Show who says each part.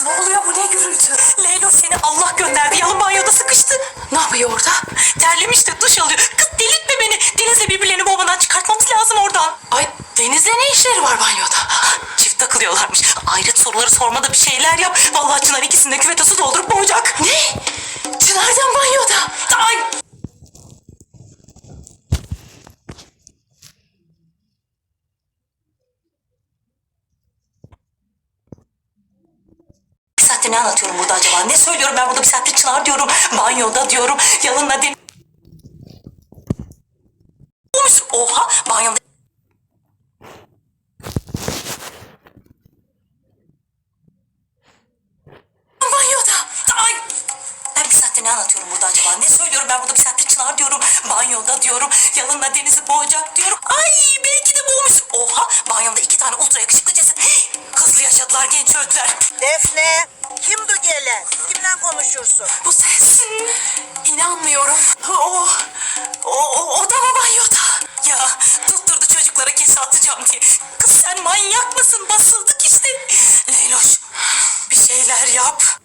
Speaker 1: Ne oluyor, bu ne gürültü? Leylo seni Allah gönderdi, yalın banyoda sıkıştı. Ne yapıyor orada? Terlemiş de duş alıyor. Kız delirtme beni. Deniz'le birbirlerini bobadan çıkartmamız lazım oradan. Ay Deniz'le ne işleri var banyoda? Çift takılıyorlarmış. Ayrıt soruları sormada bir şeyler yap. Vallahi Çınar ikisini de küvete su doldurup boğacak. Ne? Çınar'dan banyoda. Ay. Bir saattir ne anlatıyorum burada acaba? Ne söylüyorum ben burada bir saattir? Çınar diyorum, banyoda diyorum, yalınla Deniz... Oha, banyoda... Banyoda. Ay. Ben bir saattir ne anlatıyorum burada acaba? Ne söylüyorum ben burada bir saattir? Çınar diyorum, banyoda diyorum, yalınla Deniz'i boğacak diyorum. Ay belki de boğmuş. Oha, banyoda 2 tane ultra yakışıklı ceset. Hızlı yaşadılar, genç öldüler.
Speaker 2: Defne, kimdi gelen? Kimle konuşursun?
Speaker 1: Bu ses. İnanmıyorum. O da mı banyoda? Ya tutturdu çocuklara kese atacağım diye. Kız sen manyak mısın? Basıldık işte. Leyloş bir şeyler yap.